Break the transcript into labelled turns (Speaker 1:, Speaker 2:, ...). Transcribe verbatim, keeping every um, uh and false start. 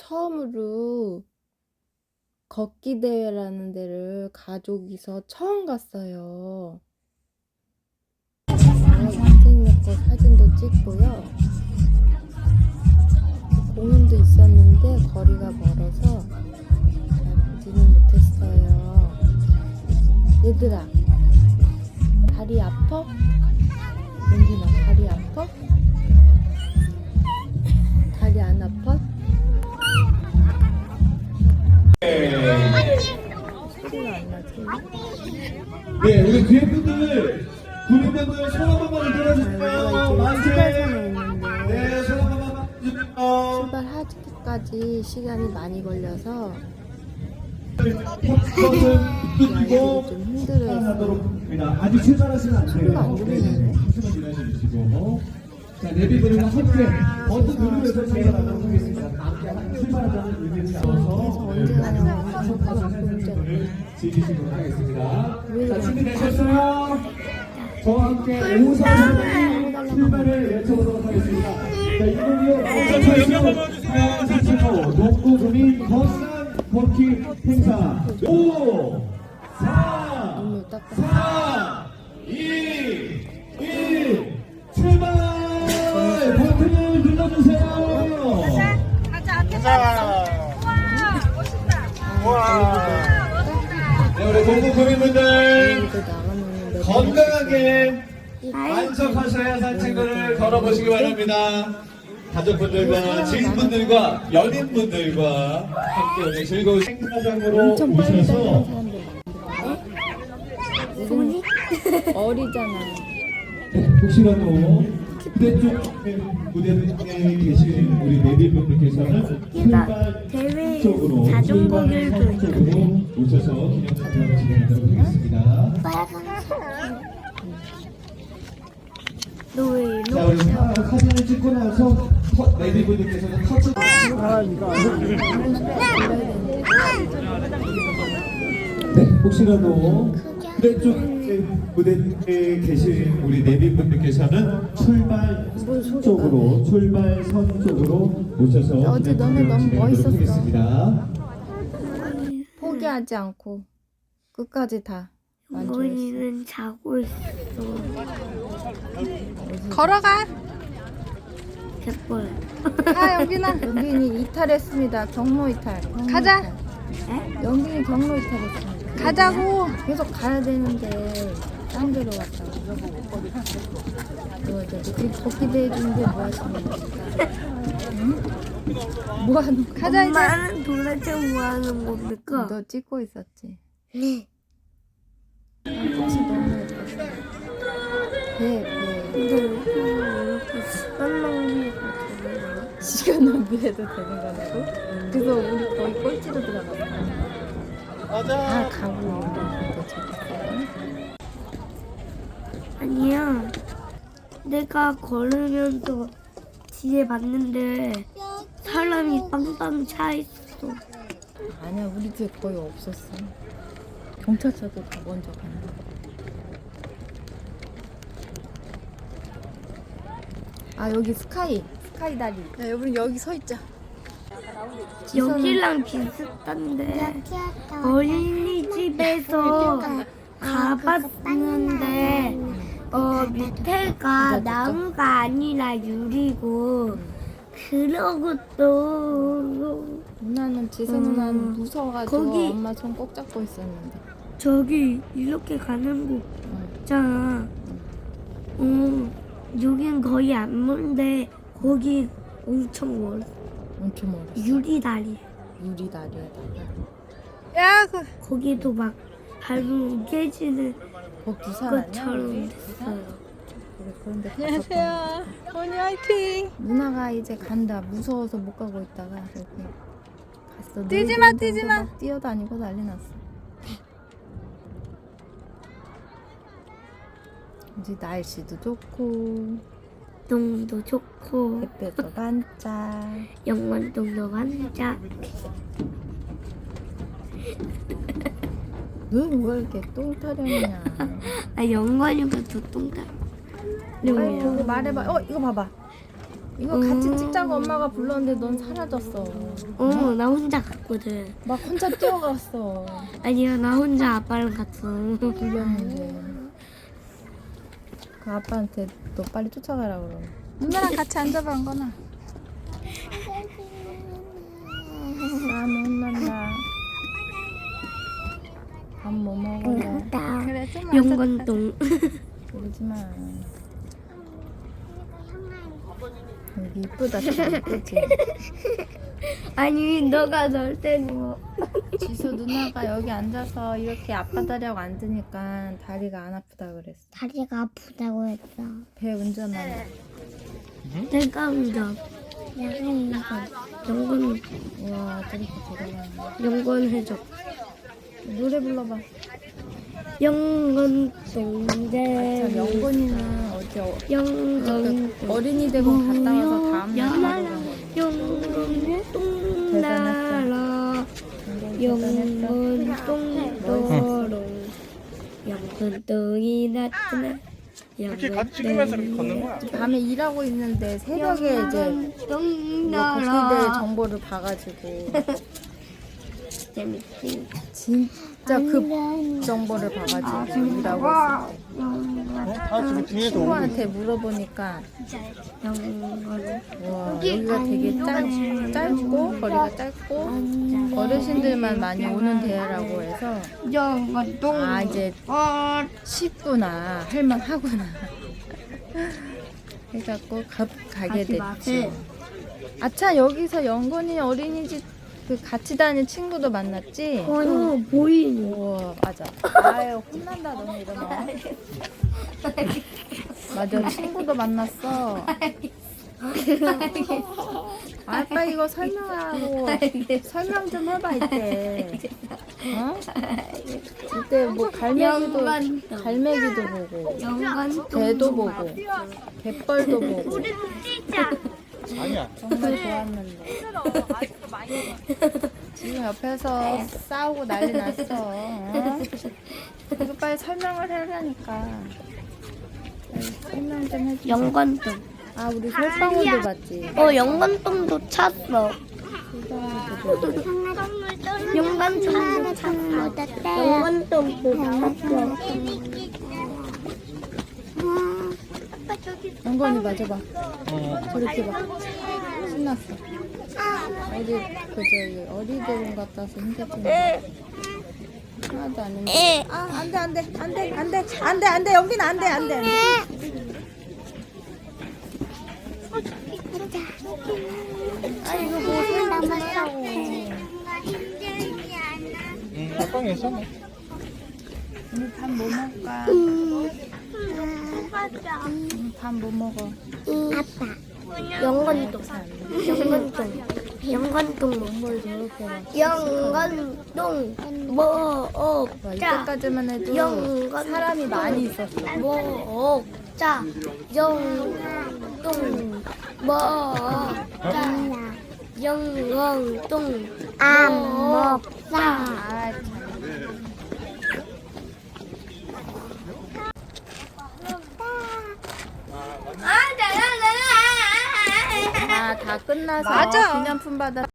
Speaker 1: 처음으로 걷기 대회라는 데를 가족이서 처음 갔어요. 인생 먹고 사진도 찍고요. 공원도 있었는데 거리가 멀어서 잘 보지는 못했어요. 얘들아, 다리 아파? 은진아, 다리 아파? 다리 안 아파? 소리가 안 나지?
Speaker 2: 네, 우리 뒤에 분들, 구민분들 손 한 번만 들어주세요. 만세! 네, 손 한 번만 들어주세요.
Speaker 1: 출발하기까지 시간이 많이 걸려서
Speaker 2: 버튼 끄고
Speaker 1: 좀 힘들어했어요.
Speaker 2: 하도록 합니다. 아직 출발하시면 안 돼요.
Speaker 1: 소리가 안 들리네.
Speaker 2: 잠시만 기다려주시고. 자, 내비분은 함께 버튼 누르면서 제가 나가도록 하겠습니다. 함께 출발하자는 의미를 담아서
Speaker 1: 언제 가요?
Speaker 2: 분을 즐기시도록 하겠습니다. 자, 준비되셨어요? 저와 함께 오사선 출발을 외쳐보도록 하겠습니다. 자, 이번이요. 오사선 농구 구민 건강 걷기 행사 오, 사, 사, 이, 일, 출발! 버튼을 눌러주세요.
Speaker 3: 가자, 가자. 와, 멋있다.
Speaker 2: 와. 네, 우리 농구 구민분들 건강하게 만족하셔야 산책을 걸어보시기 바랍니다. 가족분들과 지인분들과 연인분들과 함께 오늘 즐거운 행사장으로
Speaker 1: 엄청 빨리 달리는
Speaker 2: 오셔서
Speaker 1: 사람들 많이 어리잖아.
Speaker 2: 혹시라도 무대 쪽 무대에 계신 우리 내비분들께서는 출발
Speaker 3: 대회
Speaker 2: 쪽으로
Speaker 3: 자전거
Speaker 2: 출발
Speaker 3: 길도
Speaker 2: 쪽으로 오셔서 기념사진을 진행하도록 하겠습니다.
Speaker 3: 너 왜
Speaker 2: 자,
Speaker 3: 이러?
Speaker 2: 우리 사, 사진을 찍고 나서 터, 내비분들께서는 터치 네, 혹시라도 무대 쪽 무대에 계신 우리 내비분들께서는 출발 쪽으로 출발선 쪽으로 오셔서
Speaker 1: 어제 너네
Speaker 2: 기념사진을
Speaker 1: 너무
Speaker 2: 진행하도록
Speaker 1: 멋있었어.
Speaker 2: 하겠습니다.
Speaker 1: 포기하지 않고 끝까지 다 완주했어.
Speaker 3: 영건이는 자고 있어.
Speaker 1: 걸어가.
Speaker 3: 개뻘.
Speaker 1: 가 영빈아. 영빈이 이탈했습니다. 경로 이탈. 경로
Speaker 4: 가자.
Speaker 1: 이탈. 영빈이 경로 이탈했습니다.
Speaker 4: 가자고.
Speaker 1: 계속 가야 되는데 딴 데로 갔다고. 너 이제 지금 걷기 대회 중인데 뭐 하시는 겁니까? 응? 뭐 하는 거야?
Speaker 4: 가자 이제.
Speaker 3: 엄마는 도대체 뭐 하는 겁니까?
Speaker 1: 너 찍고 있었지?
Speaker 3: 네.
Speaker 1: 아, 꽃이 너무 예뻤어. 배, 배.
Speaker 3: 근데 왜 이렇게 시간 낭비가 되는 거야?
Speaker 1: 시간 낭비해도 되는 거라고? 그래서 우리 거의 꼴찌로 들어갔어. 아, 가고 우리 재밌어요.
Speaker 3: 아니야. 내가 걸으면서 뒤에 봤는데 사람이 빵빵 차 있어.
Speaker 1: 아니야, 우리 뒤에 거의 없었어. 경찰차도 다 먼저 가는 거. 아, 여기 스카이, 스카이 다리.
Speaker 4: 야, 여러분 여기 서 있자.
Speaker 3: 여기랑 비슷한데 어린이집에서 가봤는데 어 밑에가 나무가 아니라 유리고 그러고 또
Speaker 1: 누나는 지선
Speaker 3: 음,
Speaker 1: 누나는 무서워가지고
Speaker 3: 거기-
Speaker 1: 엄마 손 꼭 잡고 있었는데.
Speaker 3: 저기 이렇게 가는 곳
Speaker 1: 응.
Speaker 3: 있잖아. 어 여긴 거의 안 먼데 거기 엄청 멀어.
Speaker 1: 엄청 멀어.
Speaker 3: 유리 다리.
Speaker 1: 유리 다리에다가.
Speaker 4: 야, 그
Speaker 3: 거기도 막 밟으면 깨지는
Speaker 1: 거 부산 아니야?
Speaker 3: 것처럼
Speaker 1: 부산?
Speaker 3: 됐어요.
Speaker 1: 그래, 그런데
Speaker 4: 안녕하세요. 언니 화이팅.
Speaker 1: 누나가 이제 간다. 무서워서 못 가고 있다가 이렇게 갔어.
Speaker 4: 뛰지 마,
Speaker 1: 놀이동산도
Speaker 4: 뛰지 마.
Speaker 1: 막 뛰어다니고 난리 났어. 이제 날씨도 좋고
Speaker 3: 동도 좋고
Speaker 1: 햇볕도 반짝.
Speaker 3: 영원동도 반짝.
Speaker 1: 넌 왜 이렇게 똥 타령이냐?
Speaker 3: 아 영건이가 더 똥다.
Speaker 1: 빨리 보고 말해봐. 어, 이거 봐봐. 이거 같이 찍자고 엄마가 불렀는데 넌 사라졌어.
Speaker 3: 어, 나 혼자 갔거든.
Speaker 1: 막 혼자 뛰어갔어.
Speaker 3: 아니야, 나 혼자 아빠랑 갔어.
Speaker 1: 불렀는데. 그 아빠한테 너 빨리 쫓아가라 그러.
Speaker 4: 누나랑 같이 앉아봐, 안거나.
Speaker 1: 나는 혼난다. 밥 뭐 먹어요?
Speaker 3: 나
Speaker 4: 그래, 좀 앉아.
Speaker 3: 영건동.
Speaker 1: 그러지 마. 여기 이쁘다, 참. 그치?
Speaker 3: 아니, 너가 널 때리고.
Speaker 1: 지수 누나가 여기 앉아서 이렇게 아빠 다리하고 앉으니까 다리가 안 아프다 그랬어.
Speaker 3: 다리가 아프다고 했어.
Speaker 1: 배 운전하네.
Speaker 3: 내가 운전. 영건. 영건,
Speaker 1: 우와, 저렇게 돌아가네.
Speaker 3: 영건 해줘.
Speaker 1: 노래 불러봐.
Speaker 3: 영건
Speaker 1: 참,
Speaker 3: 동대.
Speaker 1: 영건이는 어디 어,
Speaker 3: 영건
Speaker 1: 그 어린이 대공 갔다 와서 다음날
Speaker 3: 영건
Speaker 1: 바로
Speaker 3: 영건 똥나라. 영건 똥도롱. 영건 똥이 나타나.
Speaker 5: 이렇게 같이 찍으면서 이렇게 걷는 거야.
Speaker 1: 밤에 일하고 있는데 새벽에 이제 이거 걷기대 정보를 봐가지고
Speaker 3: 재밌지.
Speaker 1: 진짜 급 정보를 봐가지고 일하고 있어.
Speaker 5: 다 지금 뒤에서 오고 있어.
Speaker 1: 친구한테 물어보니까
Speaker 3: 영건.
Speaker 1: 와, 여기가 되게 짧, 짧고 거리가 짧고 어르신들만 많이 오는 데라고 해서
Speaker 3: 영건 똥.
Speaker 1: 아 이제 쉽구나 할만하구나 해갖고 가, 가게 됐지. 아차 여기서 영건이 어린이집 그 같이 다니는 친구도 만났지?
Speaker 3: 어, 보이니.
Speaker 1: 우와 맞아. 아유 혼난다 너네 이러면. 맞아 친구도 만났어. 아빠 이거 설명하고 설명 좀 해봐 이때. 어? 이때 뭐 갈매기도
Speaker 3: 영관동.
Speaker 1: 갈매기도 보고
Speaker 3: 영건
Speaker 1: 개도 보고 갯벌도 보고
Speaker 5: 아니야.
Speaker 1: 정말 좋았는데 지금 옆에서 싸우고 난리 났어. 어? 이거 빨리 설명을 해라니까. 빨리 설명 좀 해줘.
Speaker 3: 영건동.
Speaker 1: 아 우리 솔방울도 봤지.
Speaker 3: 어, 영건동도 찼어. 영건동도 찼어. 영건동도 찼어.
Speaker 1: 영건이 맞아봐.
Speaker 5: 어.
Speaker 1: 저렇게 봐. 신났어. 어디 그 저기 어리대공 갔다 와서 힘들었는데 하나도 안 했는데. 아 안돼 안돼 안돼 안돼 안돼 안돼 여기는 안돼 안돼 안돼. 아이고 뭐 설명 좀 하라고.
Speaker 5: 응, 아빠가 있었네.
Speaker 1: 오늘 밥 뭐 먹을까? 밥 뭐 먹어?
Speaker 3: 아빠. 영건동. 영건동. 영건동.
Speaker 1: 뭘 저렇게 막.
Speaker 3: 영건동.
Speaker 1: 와,
Speaker 3: 먹자.
Speaker 1: 이때까지만 해도
Speaker 3: 영건.
Speaker 1: 사람이 많이 있었어.
Speaker 3: 먹자. 영건동. 먹자. 영건동. 안 먹자.
Speaker 1: 아, 참. 아, 다 끝나서
Speaker 4: 맞아.
Speaker 1: 기념품 받아.